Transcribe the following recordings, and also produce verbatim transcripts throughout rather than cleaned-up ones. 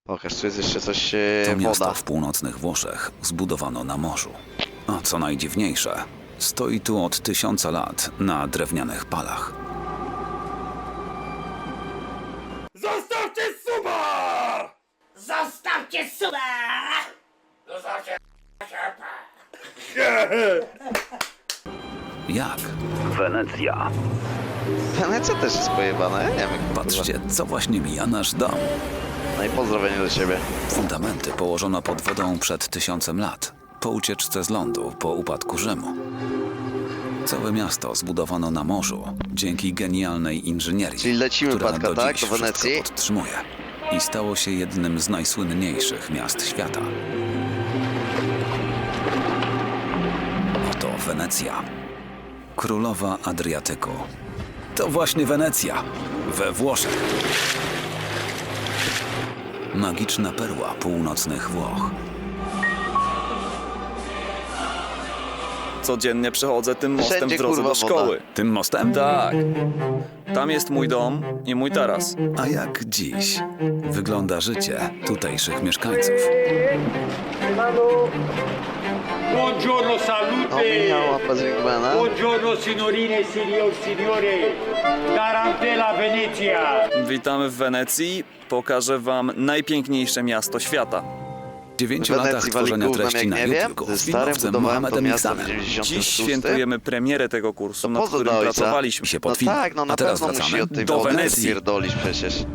Pokaż, tu jest jeszcze coś, e, To miasto woda. w północnych Włoszech zbudowano na morzu. A co najdziwniejsze, stoi tu od tysiąca lat na drewnianych palach. Zostawcie suba! Zostawcie suba! Zostawcie Jak? Wenecja. Wenecja też jest pojebana, ja nie wiem. jak to Patrzcie, co właśnie mija nasz dom. bywa. No i pozdrowienie do ciebie. Fundamenty położono pod wodą przed tysiącem lat, po ucieczce z lądu, po upadku Rzymu. Całe miasto zbudowano na morzu dzięki genialnej inżynierii, Czyli lecimy, która Patka, do tak? dziś Do Wenecji? wszystko podtrzymuje i stało się jednym z najsłynniejszych miast świata. Oto Wenecja, królowa Adriatyku. To właśnie Wenecja, we Włoszech. Magiczna perła północnych Włoch. Codziennie przechodzę tym mostem Wszędzie, w drodze kurwa, do szkoły. Tym mostem? Tak. Tam jest mój dom i mój taras. A jak dziś wygląda życie tutejszych mieszkańców? Buongiorno, No, salute! Michał, łapa z Wigmana. Buongiorno, signorine e signor, signore! Tarantella, Venezia! Witamy w Wenecji. Pokażę wam najpiękniejsze miasto świata. W dziewięciu latach Wenecji wali tworzenia gównem, treści jak na nie wiem. YouTube'ku Ze z starym filmowcem budowałem to Mohamedem miasto w Iksanem. dziewięćdziesiątym Dziś szóstym. świętujemy premierę tego kursu, nad pozdro którym do ojca. pracowaliśmy. się No pod film. tak, no na A teraz pewno wracamy musi od tej do wody Wenecji. pierdolić przecież.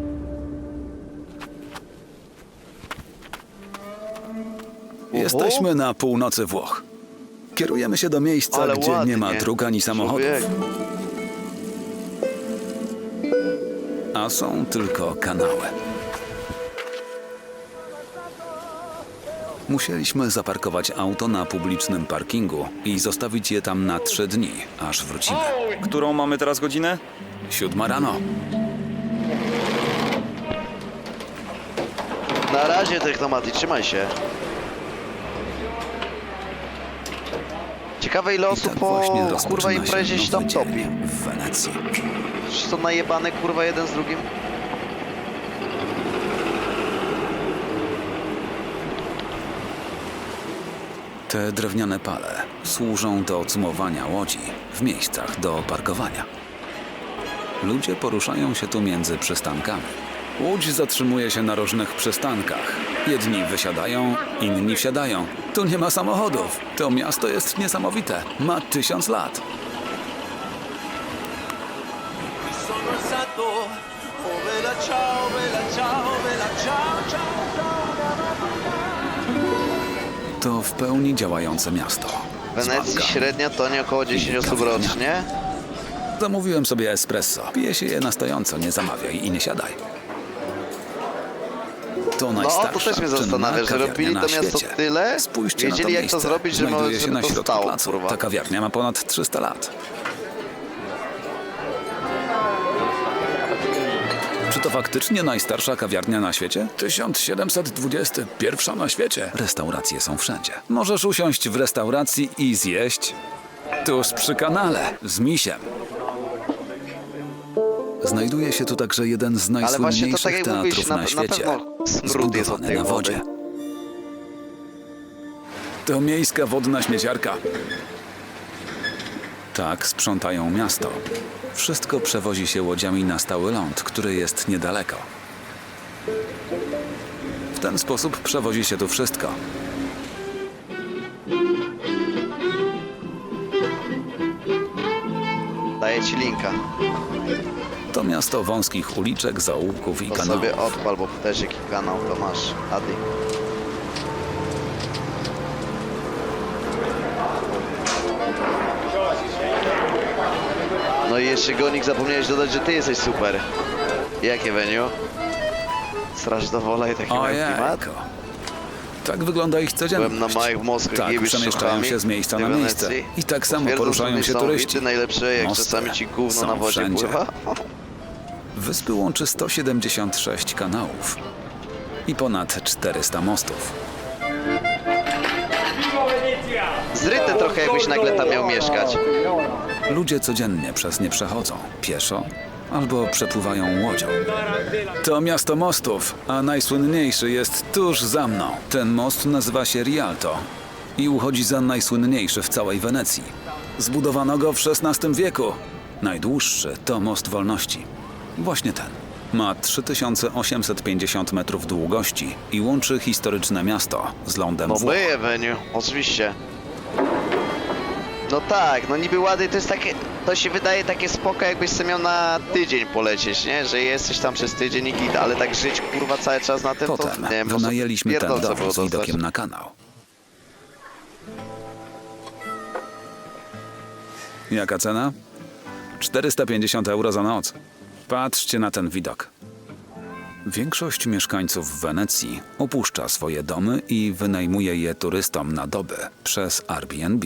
Jesteśmy na północy Włoch. Kierujemy się do miejsca, Ale gdzie ładnie. nie ma dróg ani samochodów. Człowiek. A są tylko kanały. Musieliśmy zaparkować auto na publicznym parkingu i zostawić je tam na trzy dni, aż wrócimy. Którą mamy teraz godzinę? Siódma rano. Na razie, Technomaty, trzymaj się. Ciekawe ile I osób tak po właśnie kurwa rozpoczyna imprezie się nowy tam topi. dzień w Wenecji. Czy to najebane kurwa jeden z drugim? Te drewniane pale służą do cumowania łodzi w miejscach do parkowania. Ludzie poruszają się tu między przystankami. Łódź zatrzymuje się na różnych przystankach. Jedni wysiadają, inni wsiadają. Tu nie ma samochodów. To miasto jest niesamowite. Ma tysiąc lat. To w pełni działające miasto. W Wenecji Dzbanka. średnia to nie około dziesięć osób rocznie. Zamówiłem sobie espresso. Pije się je na stojąco, nie zamawiaj i nie siadaj. To No najstarsza, to też mnie czynna zastanawia, że kawiarnia robili na to miasto świecie. tyle, Spójrzcie na to wiedzieli jak miejsce. to zrobić, żeby, Znajduje się żeby na to środku stało, placu. kurwa. Ta kawiarnia ma ponad trzysta lat. Czy to faktycznie najstarsza kawiarnia na świecie? tysiąc siedemset dwudziesty, pierwsza na świecie. Restauracje są wszędzie. Możesz usiąść w restauracji i zjeść tuż przy kanale z misiem. Znajduje się tu także jeden z Ale właśnie to najsłynniejszych tak jak mówisz, teatrów na, na na świecie. pewno smród jest od Zbudowany tej na wody. wodzie. To miejska wodna śmieciarka. Tak sprzątają miasto. Wszystko przewozi się łodziami na stały ląd, który jest niedaleko. W ten sposób przewozi się tu wszystko. Daję ci linka. To miasto wąskich uliczek, zaułków i To kanałów. sobie odpal, bo też jaki kanał to masz. Adi. No i jeszcze Gonik zapomniałeś dodać, że ty jesteś super. Jakie venue? Straż do wola i taki mają klimat? Ojejko. Tak wygląda ich codzienność. Byłem na małych moskach, Tak, jebiesz przemieszczają szachami się z miejsca w na tej miejsce. Wenecji. I tak samo Twierdzą, poruszają że się są turyści. wity najlepsze, jak Mosty czasami ci gówno są na wodzie wszędzie. pływa. Wyspy łączy sto siedemdziesiąt sześć kanałów i ponad czterysta mostów. Viva Venezia! Zryte trochę, jakbyś nagle tam miał mieszkać. Ludzie codziennie przez nie przechodzą, pieszo albo przepływają łodzią. To miasto mostów, a najsłynniejszy jest tuż za mną. Ten most nazywa się Rialto i uchodzi za najsłynniejszy w całej Wenecji. Zbudowano go w szesnastym wieku. Najdłuższy to Most Wolności. Właśnie ten. Ma trzy tysiące osiemset pięćdziesiąt metrów długości i łączy historyczne miasto z lądem No Włoch. my Avenue, oczywiście. No tak, no niby ładnie, to jest takie, to się wydaje takie spoko, jakbyś sobie miał na tydzień polecieć, nie? Że jesteś tam przez tydzień i git, ale tak żyć kurwa cały czas na tym, to Potem nie wiem, może wynajęliśmy ten pierdolce dom było z dostać. widokiem na kanał. Jaka cena? czterysta pięćdziesiąt euro za noc. Patrzcie na ten widok. Większość mieszkańców Wenecji opuszcza swoje domy i wynajmuje je turystom na doby przez Airbnb.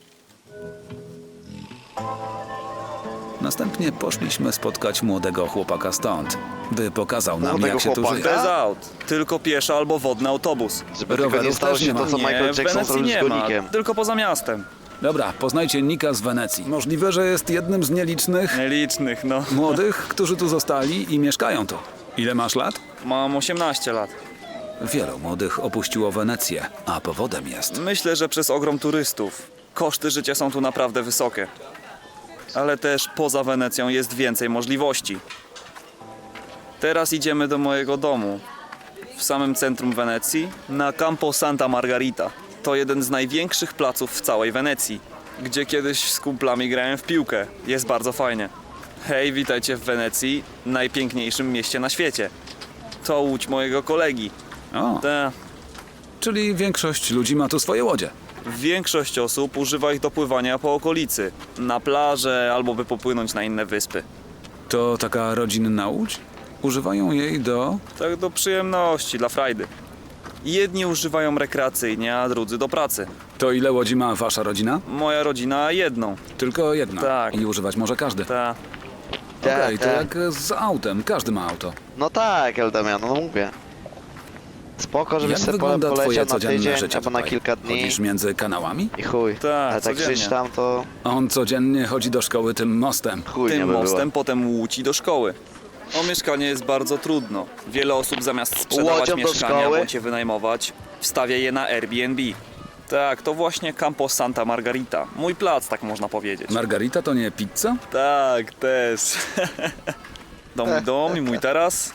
Następnie poszliśmy spotkać młodego chłopaka stąd, by pokazał nam, Młodego jak się tu chłopaka? żyje. Bez aut. Tylko pieszy albo wodny autobus. Żeby tylko nie Rowerów stało też się nie to, ma. co Nie, Michael w Jackson Wenecji zrobił z nie ma. gonikiem. Tylko poza miastem. Dobra, poznajcie Nika z Wenecji. Możliwe, że jest jednym z nielicznych Nielicznych, no. młodych, którzy tu zostali i mieszkają tu. Ile masz lat? Mam osiemnaście lat. Wielu młodych opuściło Wenecję, a powodem jest... Myślę, że przez ogrom turystów. Koszty życia są tu naprawdę wysokie. Ale też poza Wenecją jest więcej możliwości. Teraz idziemy do mojego domu. W samym centrum Wenecji, na Campo Santa Margarita. To jeden z największych placów w całej Wenecji, gdzie kiedyś z kumplami grałem w piłkę. Jest bardzo fajnie. Hej, witajcie w Wenecji, najpiękniejszym mieście na świecie. To łódź mojego kolegi. O, Ta. czyli większość ludzi ma tu swoje łodzie. Większość osób używa ich do pływania po okolicy, na plażę albo by popłynąć na inne wyspy. To taka rodzinna łódź? Używają jej do... Tak do przyjemności, dla frajdy. Jedni używają rekreacyjnie, a drudzy do pracy. To ile łodzi ma wasza rodzina? Moja rodzina jedną. Tylko jedna. Tak. I używać może każdy. Ta. Okej, to tak. jak z autem. Każdy ma auto. No tak, Eldamian, no mówię. Spoko, żebyś Jak sobie pole- wygląda twoje poleciał na codzienne tydzień życie albo na tutaj? kilka dni Chodzisz między kanałami? i chuj. Tak, Ale tak codziennie. żyć tam to On codziennie chodzi do szkoły tym mostem. chuj nie Tym by mostem było. potem Łódź do szkoły. O mieszkanie jest bardzo trudno. Wiele osób zamiast sprzedawać Łodzią do mieszkania szkoły? bądź je wynajmować, wstawia je na Airbnb. Tak, to właśnie Campo Santa Margarita. Mój plac, tak można powiedzieć. Margarita to nie pizza? Tak, też. To mój dom i mój taras.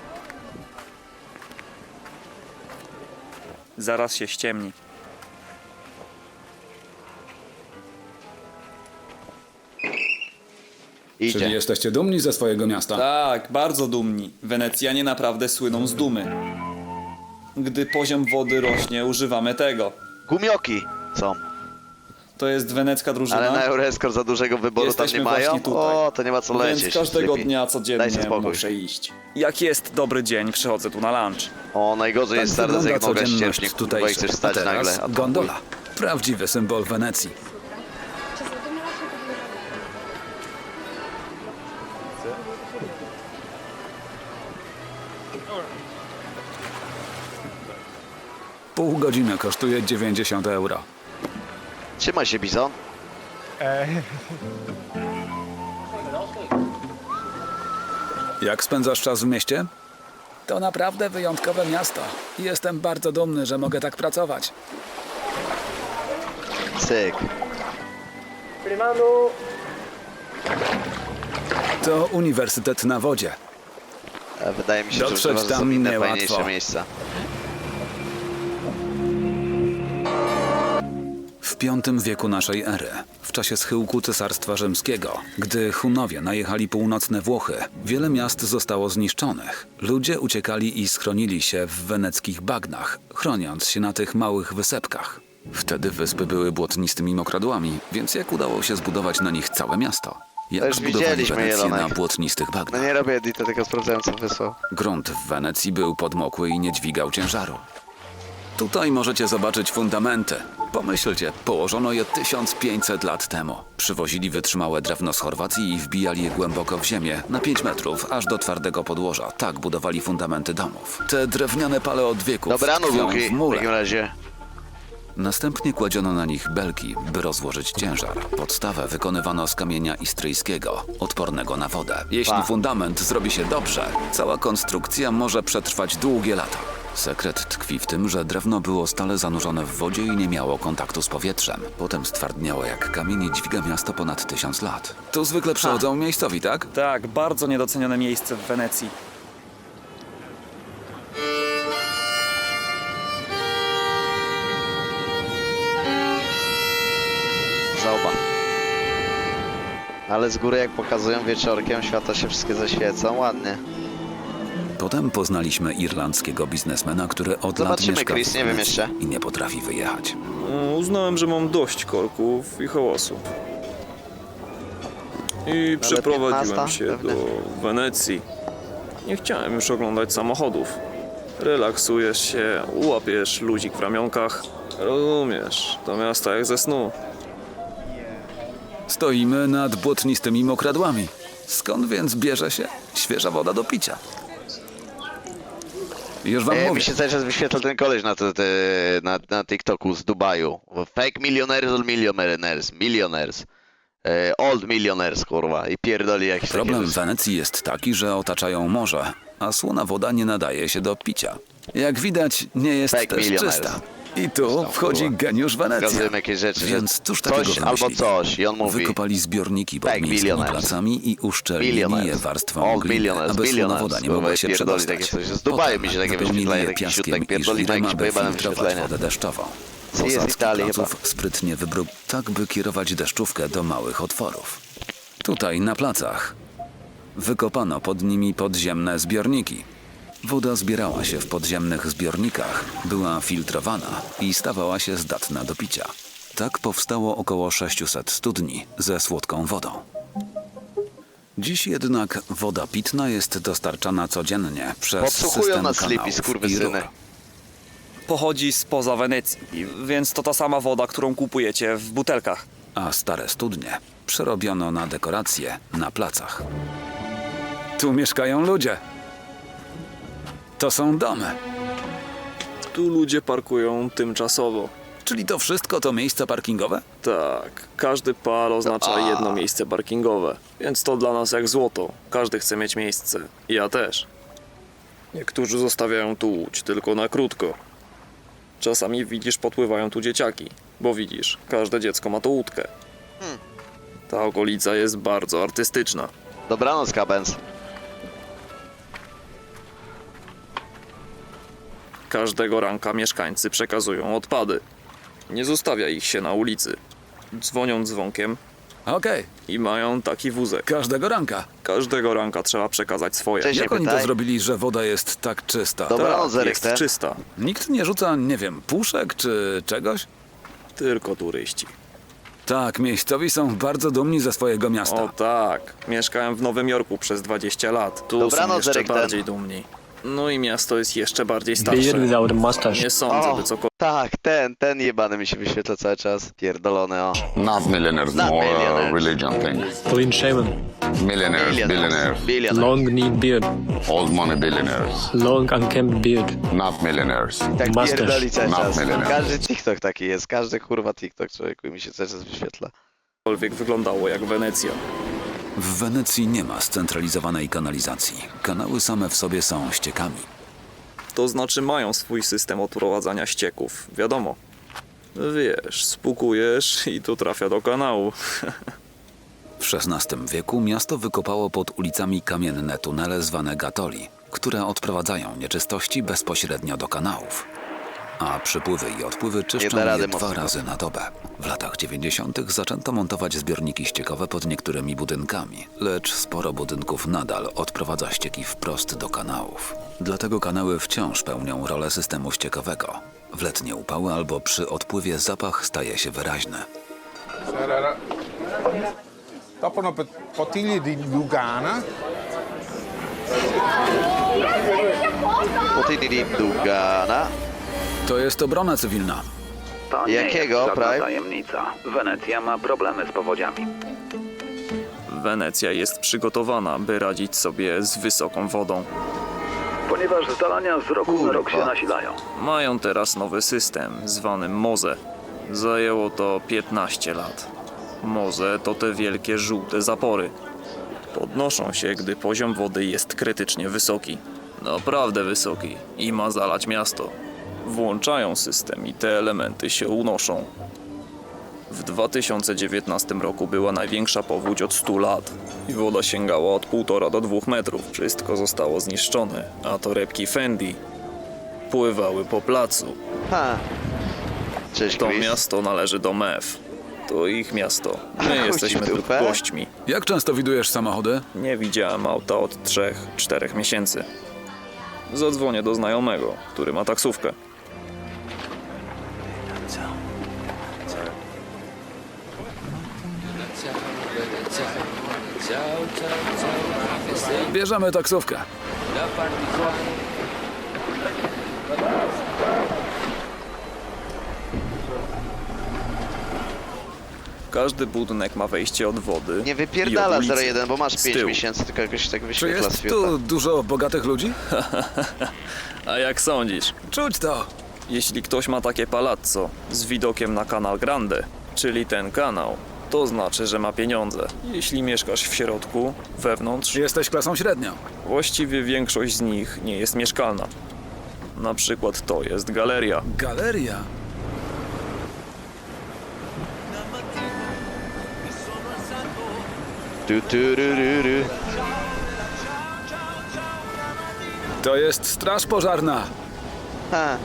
Zaraz się ściemni. Idzie. Czyli jesteście dumni ze swojego miasta? Tak, bardzo dumni. Wenecjanie naprawdę słyną z dumy. Gdy poziom wody rośnie, używamy tego. Gumioki są. To jest wenecka drużyna. Ale na Euroscore za dużego wyboru Jesteśmy tam nie mają. właśnie tutaj. O, to nie ma co lecieć. Więc każdego Lepiej. dnia Daj codziennie sobie spokój. muszę iść. Jak jest dobry dzień, przychodzę tu na lunch. O, najgorzej Tak jest stary, wygląda jak noga codzienność ścieżnie, kurwa, i tutejszych. chcesz A stać teraz nagle. A to gondola. Prawdziwy symbol Wenecji. Pół godziny kosztuje dziewięćdziesiąt euro. chuj. Trzymaj się, Bizon. Jak spędzasz czas w mieście? To naprawdę wyjątkowe miasto. Jestem bardzo dumny, że mogę tak pracować. Cyk. To uniwersytet na wodzie. A wydaje mi się, Dotrzeć że używasz tam są inne niełatwo. fajniejsze miejsca. W piątym wieku naszej ery, w czasie schyłku Cesarstwa Rzymskiego, gdy Hunowie najechali północne Włochy, wiele miast zostało zniszczonych. Ludzie uciekali i schronili się w weneckich bagnach, chroniąc się na tych małych wysepkach. Wtedy wyspy były błotnistymi mokradłami, więc jak udało się zbudować na nich całe miasto? To Jak już zbudowali widzieliśmy, Wenecję na Jelonek. błotnistych No bagnach? nie robię edita, tylko sprawdzałem, co wysłał. Grunt w Wenecji był podmokły i nie dźwigał ciężaru. Tutaj możecie zobaczyć fundamenty. Pomyślcie, położono je tysiąc pięćset lat temu. Przywozili wytrzymałe drewno z Chorwacji i wbijali je głęboko w ziemię, na pięć metrów, aż do twardego podłoża. Tak budowali fundamenty domów. Te drewniane pale od wieków Dobra, no tkwią Luki, w w mule. takim razie. Następnie kładziono na nich belki, by rozłożyć ciężar. Podstawę wykonywano z kamienia istryjskiego, odpornego na wodę. Jeśli Pa. fundament zrobi się dobrze, cała konstrukcja może przetrwać długie lata. Sekret tkwi w tym, że drewno było stale zanurzone w wodzie i nie miało kontaktu z powietrzem. Potem stwardniało jak kamień i dźwiga miasto ponad tysiąc lat. Tu zwykle przychodzą miejscowi, tak? Tak, bardzo niedocenione miejsce w Wenecji. Zauba. Ale z góry jak pokazują wieczorkiem, światła się wszystkie zaświecą, ładnie. Potem poznaliśmy irlandzkiego biznesmena, który od lat Zobaczymy, mieszka Chris, w nie wiem Wenecji jeszcze. i nie potrafi wyjechać. Mm, Uznałem, że mam dość korków i hałasów. I przeprowadziłem piętnasta się pewnie. do Wenecji. Nie chciałem już oglądać samochodów. Relaksujesz się, łapiesz luzik w ramionkach. Rozumiesz, to miasto jak ze snu. Stoimy nad błotnistymi mokradłami. Skąd więc bierze się świeża woda do picia? Już wam E, mówię. mi się cały czas wyświetla ten koleś na, te, te, na, na TikToku z Dubaju. Fake millionaires, old millionaires, millionaires. E, old millionaires, kurwa. I pierdoli jakieś Problem takie w rzeczy. Wenecji jest taki, że otaczają morze, a słona woda nie nadaje się do picia. Jak widać, nie jest Fake też millionaires. czysta. I tu wchodzi kurwa. geniusz Wenecji. Pokazujemy jakieś rzeczy, że Więc cóż takiego coś albo wymyślili? coś. I on mówi, Wykopali zbiorniki pod Fake miejskimi millionaires. placami i uszczelnili je millionaires. warstwą Old gliny, millionaires, aby słona millionaires. woda nie Kurwa, mogła się pierdoli przedostać. takie coś. Z Dubaju mi się takie wypełnili wyświetlają, je taki piaskiem siutek i pierdoli, ma żwirem, jakieś aby pojebane filtrować wyświetlenia. wodę deszczową. jest Posadzki Italii placów chyba. sprytnie wybrał tak, by kierować deszczówkę do małych otworów. Tutaj, na placach, wykopano pod nimi podziemne zbiorniki. Woda zbierała się w podziemnych zbiornikach, była filtrowana i stawała się zdatna do picia. Tak powstało około sześciuset studni ze słodką wodą. Dziś jednak woda pitna jest dostarczana codziennie przez Podsłuchują system nas Sleepy, kanałów i skurwysyny. rur. Pochodzi spoza Wenecji, więc to ta sama woda, którą kupujecie w butelkach. A stare studnie przerobiono na dekoracje na placach. Tu mieszkają ludzie. To są domy. Tu ludzie parkują tymczasowo. Czyli to wszystko to miejsca parkingowe? Tak, każdy pal oznacza A. jedno miejsce parkingowe, więc to dla nas jak złoto. Każdy chce mieć miejsce. Ja też. Niektórzy zostawiają tu łódź tylko na krótko. Czasami widzisz, podpływają tu dzieciaki, bo widzisz, każde dziecko ma tu łódkę. Ta okolica jest bardzo artystyczna. Dobranoc, Kabens. Każdego ranka mieszkańcy przekazują odpady. Nie zostawia ich się na ulicy. Dzwonią dzwonkiem Okej, i mają taki wózek. każdego ranka. Każdego ranka trzeba przekazać swoje. Cześć. Jak Nie oni to pytaj. zrobili, że woda jest tak czysta? Dobra. Dobranoc, Tak, Eryk, jest ten. czysta. Nikt nie rzuca, nie wiem, puszek czy czegoś? Tylko turyści. Tak, miejscowi są bardzo dumni ze swojego miasta. O tak, mieszkałem w Nowym Jorku przez dwadzieścia lat. Tu są Dobranoc, jeszcze Eryk, ten. bardziej dumni. No i miasto jest jeszcze bardziej Beard starsze. without a mustache. Nie sądzę, O, by cokolwiek tak, ten, ten jebany mi się wyświetla cały czas. Pierdolony, o. Not millionaires, Not more millionaires. Uh, religion thing. Clean shaven. Millionaires, billionaires, Billionaires. Long neat beard. old money billionaires, Long unkempt beard. not millionaires. Tak Mustache. pierdoli cały Not czas. millionaires. Każdy TikTok taki jest, każdy kurwa TikTok, człowieku, mi się cały czas wyświetla. wyglądało jak Wenecja. W Wenecji nie ma scentralizowanej kanalizacji. Kanały same w sobie są ściekami. To znaczy mają swój system odprowadzania ścieków, wiadomo. Wiesz, spukujesz i to trafia do kanału. W szesnastym wieku miasto wykopało pod ulicami kamienne tunele zwane gatoli, które odprowadzają nieczystości bezpośrednio do kanałów. A przypływy i odpływy czyszczą da rady je dwa mocno. razy na dobę. W latach dziewięćdziesiątych zaczęto montować zbiorniki ściekowe pod niektórymi budynkami, lecz sporo budynków nadal odprowadza ścieki wprost do kanałów. Dlatego kanały wciąż pełnią rolę systemu ściekowego. W letnie upały albo przy odpływie zapach staje się wyraźny. Dopo una pot- bottiglia di Lugana. Potyni Dugana. To jest obrona cywilna. To nie Jakiego, jest żadna Prime? tajemnica. Wenecja ma problemy z powodziami. Wenecja jest przygotowana, by radzić sobie z wysoką wodą. ponieważ zalania z roku na rok się Kurwa. nasilają. Mają teraz nowy system, zwany Moze. Zajęło to piętnaście lat. Moze to te wielkie żółte zapory. Podnoszą się, gdy poziom wody jest krytycznie wysoki. Naprawdę wysoki i ma zalać miasto. Włączają system i te elementy się unoszą. W dwa tysiące dziewiętnastym roku była największa powódź od stu lat i woda sięgała od półtora do dwóch metrów. Wszystko zostało zniszczone, a torebki Fendi pływały po placu. Ha. Cześć, To Chris. miasto należy do M E F. To ich miasto. A, My chuj ci jesteśmy w tylko dupę. gośćmi. Jak często widujesz samochody? Nie widziałem auta od trzech, czterech miesięcy. Zadzwonię do znajomego, który ma taksówkę. Bierzemy taksówkę. Każdy budynek ma wejście od wody. Nie i wypierdala od ulicy. zero jeden, bo masz Z pięć tyłu. miesięcy, tylko jakoś tak Czy wyświetla jest świata. tu dużo bogatych ludzi? A jak sądzisz? Czuć to. Jeśli ktoś ma takie palazzo z widokiem na Canal Grande, czyli ten kanał, to znaczy, że ma pieniądze. Jeśli mieszkasz w środku, wewnątrz, Jesteś klasą średnią. właściwie większość z nich nie jest mieszkalna. Na przykład to jest galeria. Galeria. Tu, tu, ru, ru, ru. To jest straż pożarna. Ha.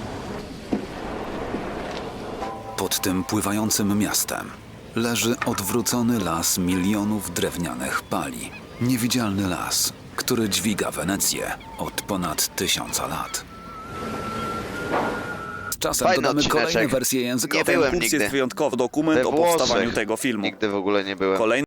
Pod tym pływającym miastem leży odwrócony las milionów drewnianych pali. Niewidzialny las, który dźwiga Wenecję od ponad tysiąca lat. Z czasem Fajny dodamy kolejne odcineczek. wersje językowe. Nie byłem Kurs nigdy. jest wyjątkowy dokument We o powstawaniu Włoszech tego filmu. Nigdy w ogóle nie byłem. Kolejny